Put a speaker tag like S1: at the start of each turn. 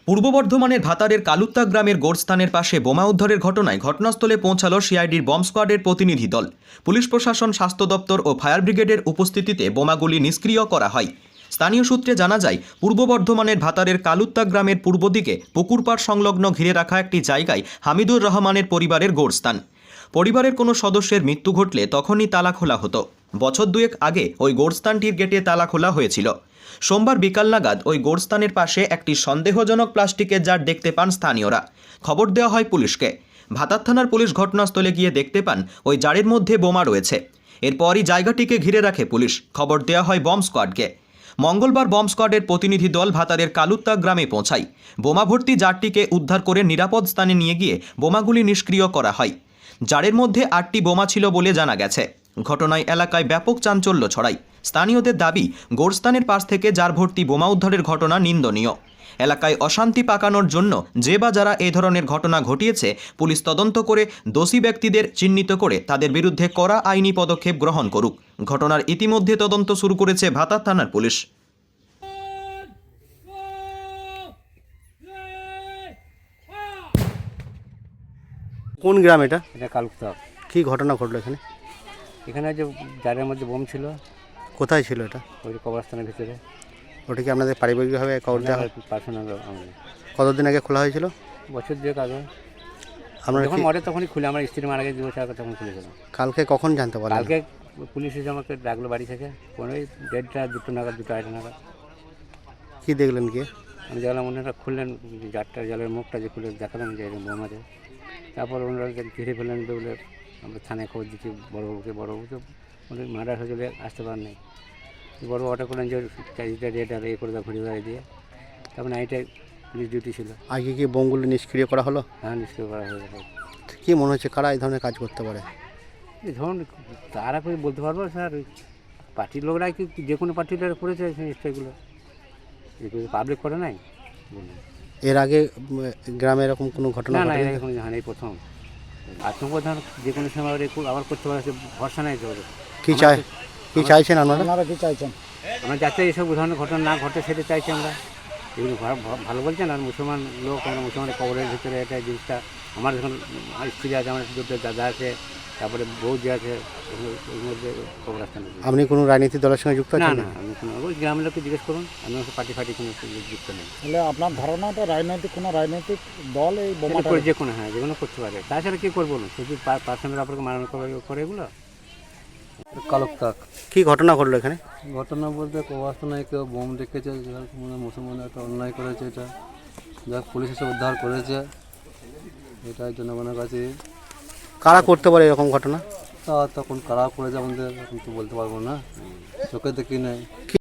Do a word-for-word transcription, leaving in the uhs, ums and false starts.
S1: পূর্ব বর্ধমানের ভাতারের কালুত্তা গ্রামের গোরস্থানের পাশে বোমা উদ্ধারের ঘটনায় ঘটনাস্থলে পৌঁছালো সিআইডির বম্ব স্কোয়াডের প্রতিনিধি দল। পুলিশ প্রশাসন, স্বাস্থ্য দপ্তর ও ফায়ার ব্রিগেডের উপস্থিতিতে বোমাগুলি নিষ্ক্রিয় করা হয়। স্থানীয় সূত্রে জানা যায়, পূর্ব বর্ধমানের ভাতারের কালুত্তা গ্রামের পূর্ব দিকে পুকুরপাড় সংলগ্ন ঘিরে রাখা একটি জায়গায় হামিদুর রহমানের পরিবারের গোরস্থান। পরিবারের কোনো সদস্যের মৃত্যু ঘটলে তখনই তালা খোলা হতো। বছর দুয়েক আগে ওই গোরস্থানটির গেটে তালা খোলা হয়েছিল। সোমবার বিকাল নাগাদ ওই গোরস্থানের পাশে একটি সন্দেহজনক প্লাস্টিকের জার দেখতে পান স্থানীয়রা। খবর দেওয়া হয় পুলিশকে। ভাতার থানার পুলিশ ঘটনাস্থলে গিয়ে দেখতে পান ওই জারের মধ্যে বোমা রয়েছে। এরপরই জায়গাটিকে ঘিরে রাখে পুলিশ। খবর দেওয়া হয় বম্ব স্কোয়াডকে। মঙ্গলবার বম্ব স্কোয়াডের প্রতিনিধি দল ভাতারের কালুত্তা গ্রামে পৌঁছায়। বোমা ভর্তি জারটিকে উদ্ধার করে নিরাপদ স্থানে নিয়ে গিয়ে বোমাগুলি নিষ্ক্রিয় করা হয়। জারের মধ্যে আটটি বোমা ছিল বলে জানা গেছে। ঘটনায় এলাকায় ব্যাপক চাঞ্চল্য ছড়ায়। স্থানীয়দের দাবি, গোরস্থানের পাশ থেকে জার ভর্তি বোমা উদ্ধারের ঘটনা নিন্দনীয়। এলাকায় অশান্তি পাকানোর জন্য যে বা যারা এ ধরনের ঘটনা ঘটিয়েছে, পুলিশ তদন্ত করে দোষী ব্যক্তিদের চিহ্নিত করে তাদের বিরুদ্ধে কড়া আইনি পদক্ষেপ গ্রহণ করুক। ঘটনার ইতিমধ্যে তদন্ত শুরু করেছে ভাতার থানার পুলিশ।
S2: কোন গ্রাম এটা?
S3: এটা কালুত্তা।
S2: কি ঘটনা ঘটলো এখানে?
S3: এখানে যে জারের মধ্যে বোম ছিল।
S2: কোথায় ছিল এটা?
S3: ওই কবরস্থানের ভিতরে।
S2: ওটা কি আপনাদের পারিবারিকভাবে কবজা?
S3: পার্সোনাল।
S2: কতদিন আগে খোলা হয়েছিল?
S3: বছর দুয়েক আগে।
S2: আমরা
S3: যখন মরে তখনই খুলে, আমার স্ত্রী মারা গেছে দু বছর আগে, তখন খুলেছিল।
S2: কালকে কখন জানতে পারলেন?
S3: কালকে পুলিশ এসে আমাকে ডাকলো বাড়ি থেকে, পনেরোই দেড়টা দুটো নাগাদ, দুটো আড়াইটা নাগাদ।
S2: কি দেখলেন কি?
S3: আমি দেখলাম ওনারা খুললেন জারটা, জলের মুখটা যে খুলে দেখালাম যে এরকম বোম আছে। তারপর ওনারা ঘিরে ফেললেন বলে আমরা থানায় খবর দিচ্ছি বড়োবাবুকে। বড়োবাবুকে ওদের মার্ডার হয়ে চলে আসতে পারেন নাই। বড়োবাবু অর্ডার করলেন যে চারিটা রেট আর এ করে দেওয়া, ঘুরে বেড়াই দিয়ে। তারপর নাইটে পুলিশ ডিউটি ছিল।
S2: আগে কি বোমগুলো নিষ্ক্রিয় করা হলো?
S3: হ্যাঁ, নিষ্ক্রিয় করা হয়ে গেল।
S2: কি মনে হচ্ছে কারা এই ধরনের কাজ করতে পারে?
S3: এই ধরুন তারা করে বলতে পারবো স্যার, পার্টির লোকরাই কি যে কোনো পার্টির লোকরা করেছে জিনিসটাগুলো, এগুলো পাবলিক করে নাই।
S2: এর আগে গ্রামে এরকম কোনো ঘটনা?
S3: না না, এর আগে কোনো জানি, এই প্রথম। আত্মপ্রধান যে কোনো সময় আবার করতে পারে, ভরসা নাই তো।
S2: কি চাই কি চাইছেন আপনারা?
S3: আপনারা কি চাইছেন? আমরা যাতে এইসব ধরনের ঘটনা না ঘটে সেটা চাইছি আমরা। এগুলো ভালো বলছেন। আর মুসলমান লোক, আমরা মুসলমানের কবরের ভিতরে এটা জিনিসটা, আমার যখন স্ত্রী আছে, আমার দুটো দাদা আছে, তারপরে বৌদি আছে, ওর মধ্যে কবরস্থান।
S2: আপনি কোনো রাজনীতি দলের সঙ্গে যুক্ত
S3: না
S2: আছেন?
S3: না, আমি কোনো ওই গ্রামের লোককে জিজ্ঞেস করুন, আমি পার্টি ফার্টি কোনো যুক্ত নেই।
S4: তাহলে আপনার ধারণাটা রাজনৈতিক কোনো রাজনৈতিক দল এই বোমাটা
S3: করে যে কোনো, হ্যাঁ যে কোনো করতে পারে। তাছাড়া কী করবো না, শুধু পার্সোনাল আপনাকে মারানো করে এগুলো।
S5: কালুত্তাক।
S2: কি ঘটনা ঘটলো এখানে?
S5: ঘটনা বলতে কবরস্থানে কেউ বোম রেখেছে, মানে মুসলমান একটা অন্যায় করেছে। এটা যা পুলিশ এসে উদ্ধার করেছে, এটাই জনগণের কাছে।
S2: কারা করতে পারে এরকম ঘটনা?
S5: তা তখন কারা করেছে আমাদের এখন তো বলতে পারবো না, চোখে দেখি নাই।